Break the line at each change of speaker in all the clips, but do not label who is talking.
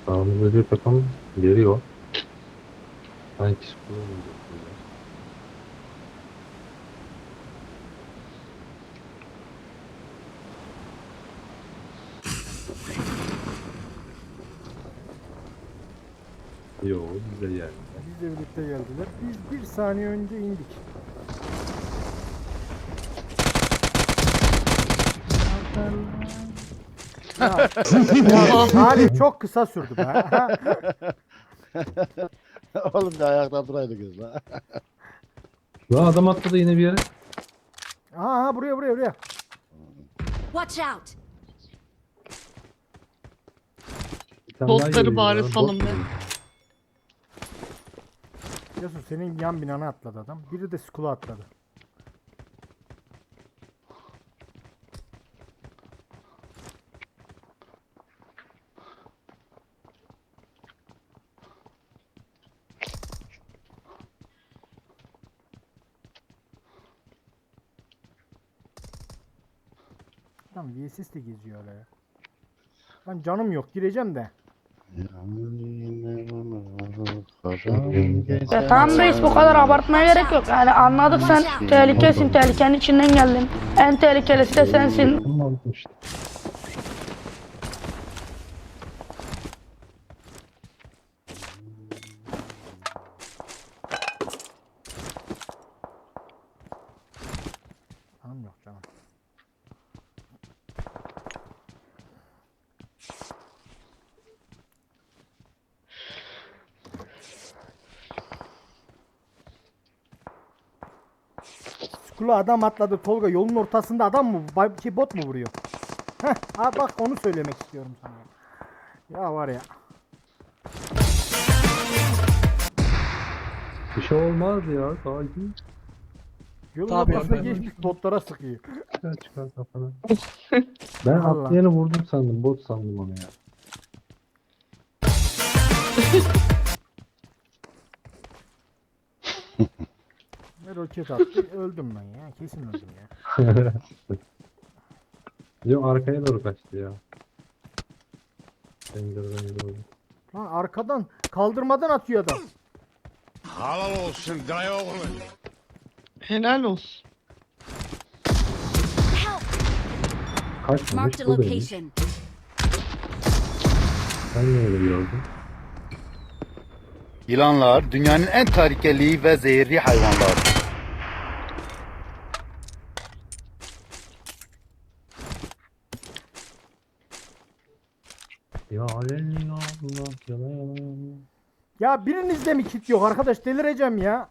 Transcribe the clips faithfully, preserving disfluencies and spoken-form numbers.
Sağımızda bir takım geliyor. Sanki skor olacak böyle. Yo bize geldiler.
Bizle birlikte geldiler. Biz bir saniye önce indik. Ya, ya Salih çok kısa sürdü be.
Oğlum bir ayakta duraydık la.
Lan adam atladı yine bir yere.
Aha buraya buraya buraya.
Watch out!
Bir tane daha
Botları
geliyor
bari
ya, bot
salın be.
geliyor.
Yasu senin yan binana atladı adam. Biri de skula atladı. Lan V S S de geziyor öyle ya. Lan canım yok gireceğim de.
Ya tamam reis, bu kadar abartmaya gerek yok. Yani anladık, sen tehlikesin, tehlikenin içinden geldin. En tehlikelisi de sensin.
Kim aldı işte.
Canım yok canım. Skula adam atladı Tolga, yolun ortasında adam mı? Bay- Şey, bot mu vuruyor? Heh, ha bak onu söylemek istiyorum sana. Ya var ya.
Bir şey olmaz ya. Sakin.
Yolun
Tabii
ortasına
efendim.
geçmiş botlara sıkıyor.
Çıkar çıkar kafana. Ben
Allah.
atlayanı vurdum sandım. Bot sandım onu ya.
Ne roket attı, öldüm ben ya. Kesin öldüm ya.
Yok arkaya doğru kaçtı ya. Pencereden doğru.
Lan arkadan kaldırmadan atıyor adam.
Halal olsun dayı oğlu.
Helal olsun.
Help!
Kaçmamış
Marked a
buradaymış.
location.
Sen niye öyle gördün?
Yılanlar dünyanın en tehlikeli ve zehirli hayvanlardır.
Ya alel ya Allah yalan yalan.
Ya birinizde mi kit yok arkadaş, delireceğim ya.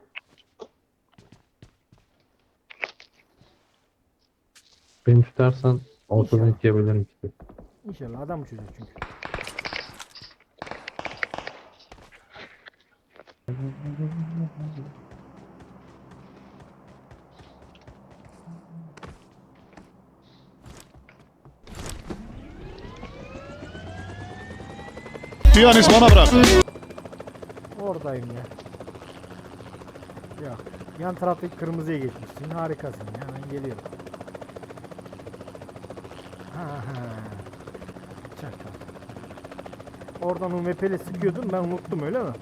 Beni tutarsan ortadan
İnşallah.
ikiye bölerim işte.
İnşallah adam uçacak çünkü.
Piyanist bana bırak.
Oradayım ya. Yok. Yan taraftaki kırmızıya geçmişsin. Harikasın ya. Ben geliyorum. Ha ha. Çakal. Oradan U M P ile sıkıyordun, ben unuttum öyle mi?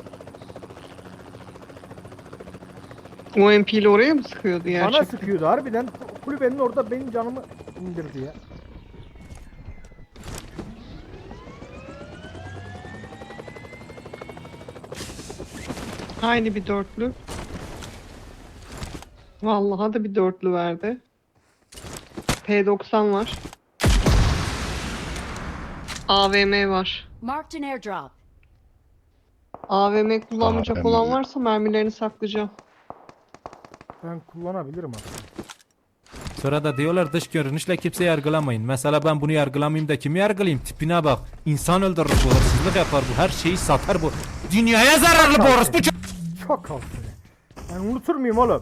O M P ile oraya mı sıkıyordu
Bana
gerçekten?
sıkıyordu harbiden. Kulübenin orada benim canımı indirdi ya.
Aynı bir dörtlü. Vallahi da bir dörtlü verdi. P doksan var. A V M var.
Marked an airdrop.
A V M kullanmayacak
A V M.
olan varsa mermilerini saklayacağım.
Ben kullanabilirim aslında.
Sonra da diyorlar dış görünüşle kimse yargılamayın. Mesela ben bunu yargılamayayım da kimi yargılayayım? Tipine bak. İnsan öldürür bu, hırsızlık yapar bu, her şeyi satar bu. Dünyaya zararlı bu orospu ço-
Çok altı. Ben unutur muyum oğlum?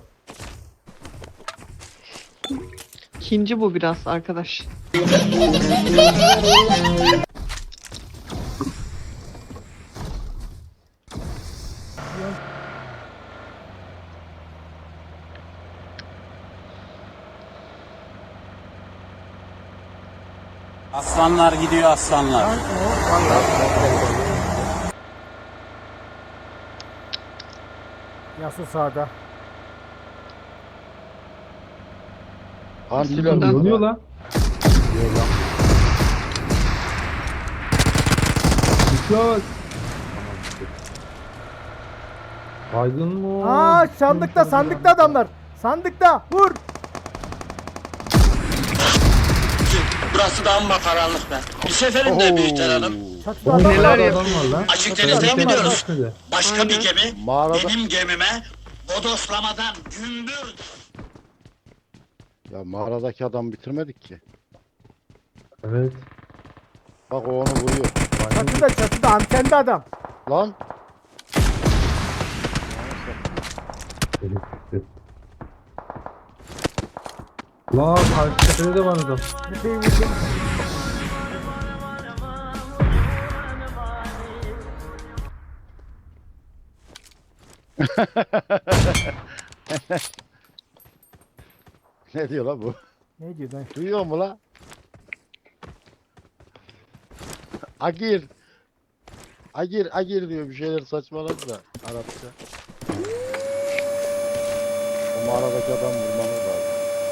İkinci bu biraz arkadaş.
Aslan Tufanlar gidiyor aslanlar.
Tank mı o? Vallahi. Yasu sağda.
Partiler
Buradan-
Yanıyor lan. Uçak. Baygın mı o?
Aa sandıkta sandıkta adamlar. Sandıkta vur.
Burası da amma karanlık be. Bir seferinde büyüter hanım.
Çatıda adam
Neler
var.
yapıyor?
Adam var lan.
Açık
Çatıda
denizde
adam
mi
var.
diyoruz?
Hadi.
Başka bir gemi
Mağarada.
benim gemime bodoslamadan gümbür.
Ya mağaradaki adam bitirmedik ki.
Evet.
Bak o onu vuruyor.
Çatıda çatıda antende adam.
Lan.
Lan karşı tepede de var adam.
Bir şey vurdum.
Ne diyor lan bu?
Ne diyor lan?
Duyuyor mu lan? Agir. Agir, agir diyor bir şeyler saçmaladı da Arapça. O mağaradaki adam vurmamız lazım.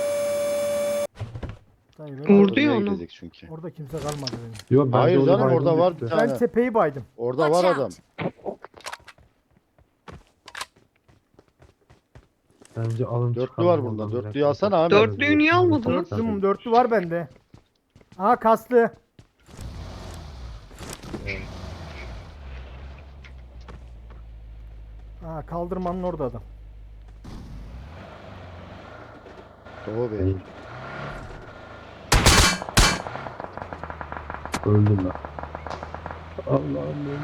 Dayı, ben-
Vurdu
Oraya
ya onu.
gidecek çünkü.
Orada kimse kalmadı benim.
Yok bence
Hayır
orada
canım,
baygın
orada var
düştü.
bir
Ben
tane.
tepeyi baydım.
Orada var
Watch
adam.
out.
Bence alın
Dörtlü
çıkalım
var
oradan
burada.
direkt.
Dörtlüyü alsana abi.
Dörtlüyü niye almadınız?
Dörtlü, dörtlü var bende. Aha kaslı. Aa kaldırmanın orada adam.
Doğu Bey.
Öldüm ben. Allah'ım öldüm.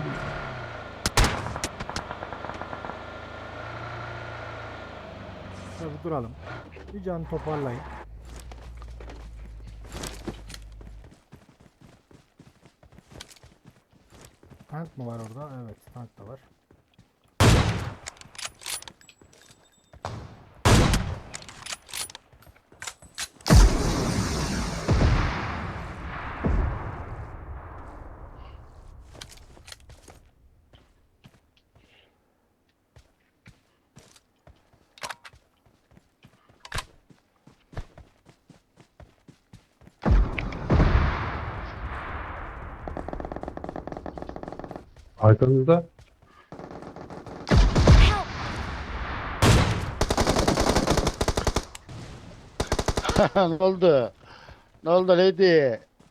Tabii duralım. Bir can toparlayın. Tank mı var orada? Evet, tank da var.
Arkanızda.
Ne oldu? Ne oldu lady?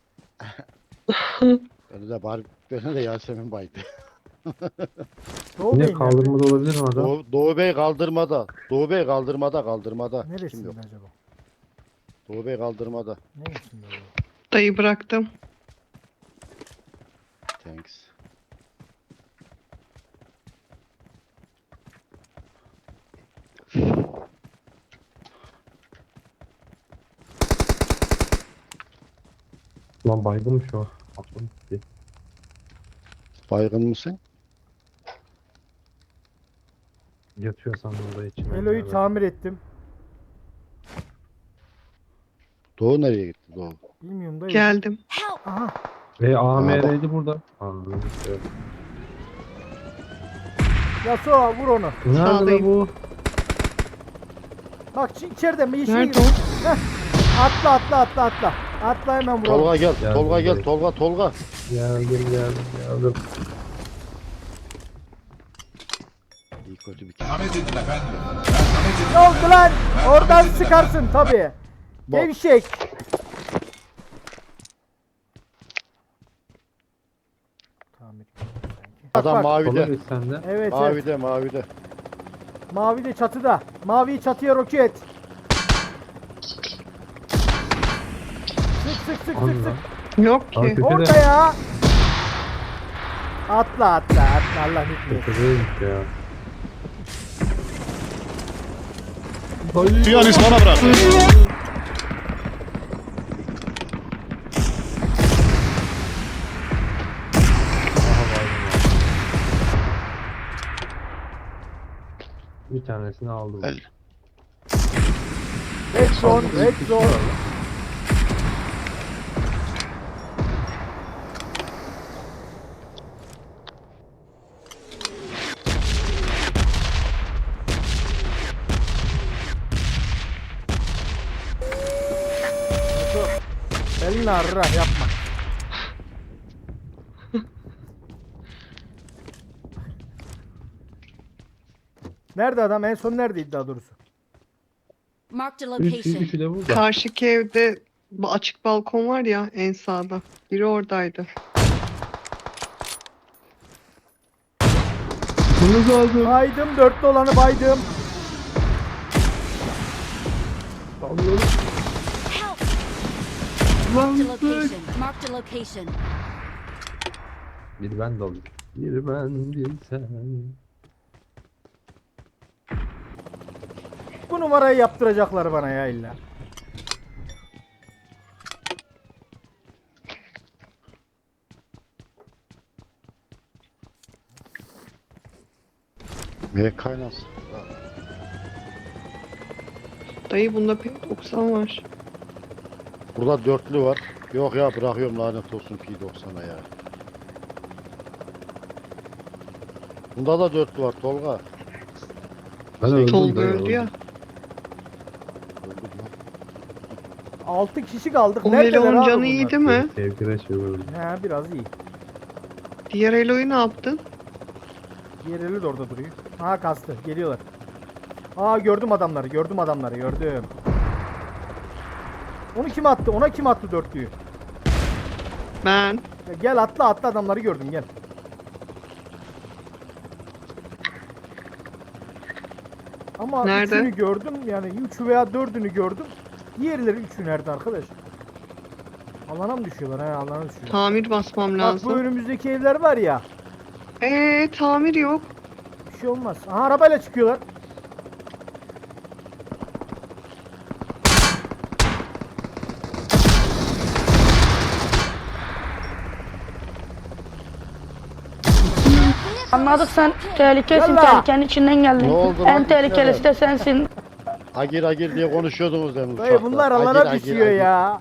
Beni de bari beni de Yasemin baydı.
Doğu
Yine
Bey nerede?
kaldırmada olabilir mi adam?
Doğu, Doğu Bey kaldırmada. Doğu Bey kaldırmada kaldırmada. Kim
Neresinde
yok?
acaba?
Doğu Bey kaldırmada.
Neresinde acaba?
Dayı bıraktım.
Thanks.
Lan baygınmış o. Aklım gitti.
Baygın mısın?
Yatıyor sandım orada içime.
Elo'yu tamir ettim.
Doğu nereye gitti Doğu?
Bilmiyorum da.
Geldim.
Help!
Aha.
E A M R'ydi burada. Anladım. Evet.
Yasuo vur onu.
Nerede be
Sağdayım.
bu?
Bak şu içeride mi? Yeşil
Nerede
gibi.
o?
Heh. Atla atla atla atla. Atla hemen vuralım.
Tolga gel.
Geldim
Tolga gel.
direkt.
Tolga Tolga.
Geldim geldim geldim.
İyi kötü bir kere.
Ne oldu lan? Oradan çıkarsın tabii.
Bak.
Gevşek. Tamir.
Adam
bak.
mavide.
Kolay sende.
Evet evet.
Mavide mavide.
Mavi de çatıda. Mavi çatıya roket. Sık sık sık sık
Anladım.
sık.
Yok ki.
Abi,
Orada ya. Atla atla atla Allah hükmü.
Tepedeymiş ya.
Piyanist bana bırak.
Bir tanesini aldım.
El.
Red zone, red zone. Bismillahirrahmanirrahim yapma. Nerede adam? En son neredeydi daha doğrusu?
Marked a
Üç, üçü
location.
de burada.
Karşıki evde bu açık balkon var ya en sağda. Biri oradaydı.
Bunu lazım.
Baydım. Dörtlü olanı baydım.
Allah'ım.
Help! Marked a location. Marked a location.
Bir ben daldım. Bir ben bir sen.
Bu numarayı yaptıracaklar bana ya illa.
Ne kaynasın?
Dayı bunda P doksan var.
Burada dörtlü var. Yok ya bırakıyorum lanet olsun P doksan'a ya. Bunda da dörtlü var Tolga.
Ben öldüm.
Tolga
ben
öldü
öldüm.
ya.
Öldü mü?
altı kişi kaldık.
O
Neredeler
Melo'nun
abi
canı
bunlar?
iyiydi mi?
Sevgine şey öldü.
He biraz iyi.
Diğer Elo'yu ne yaptın?
Diğer eli de orada duruyor. Ha kastı. Geliyorlar. Aa gördüm adamları. Gördüm adamları. Gördüm. Onu kim attı? Ona kim attı dörtlüyü?
Ben.
Ya gel atla atla adamları gördüm gel. Ama
Nerede?
üçünü gördüm yani üçü veya dördünü gördüm. Diğerleri üçü nerede arkadaş? Alana mı düşüyorlar? He alana düşüyorlar.
Tamir basmam
Bak bu
lazım.
önümüzdeki evler var ya.
Eee tamir yok.
Bir şey olmaz. Aha arabayla çıkıyorlar.
Anladık sen tehlikesin,
Yallah.
tehlikenin içinden geldin.
Ne oldu
En
lan?
tehlikelisi de sensin.
Agir agir diye konuşuyordunuz demin
Dayı
uçakta.
bunlar
Agir,
alana
agir,
düşüyor
agir.
ya.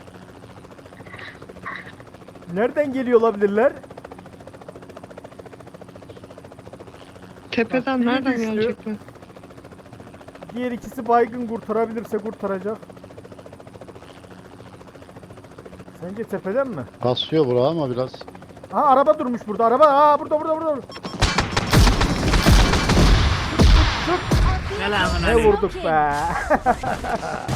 Nereden geliyor olabilirler?
Tepeden
biri
nereden
düştü.
gelecekler?
Diğer ikisi baygın kurtarabilirse kurtaracak. Sence tepeden mi?
Kasıyor bura ama biraz.
Ha araba durmuş burada. Araba. Aa burada burada burada. Ne vurduk be.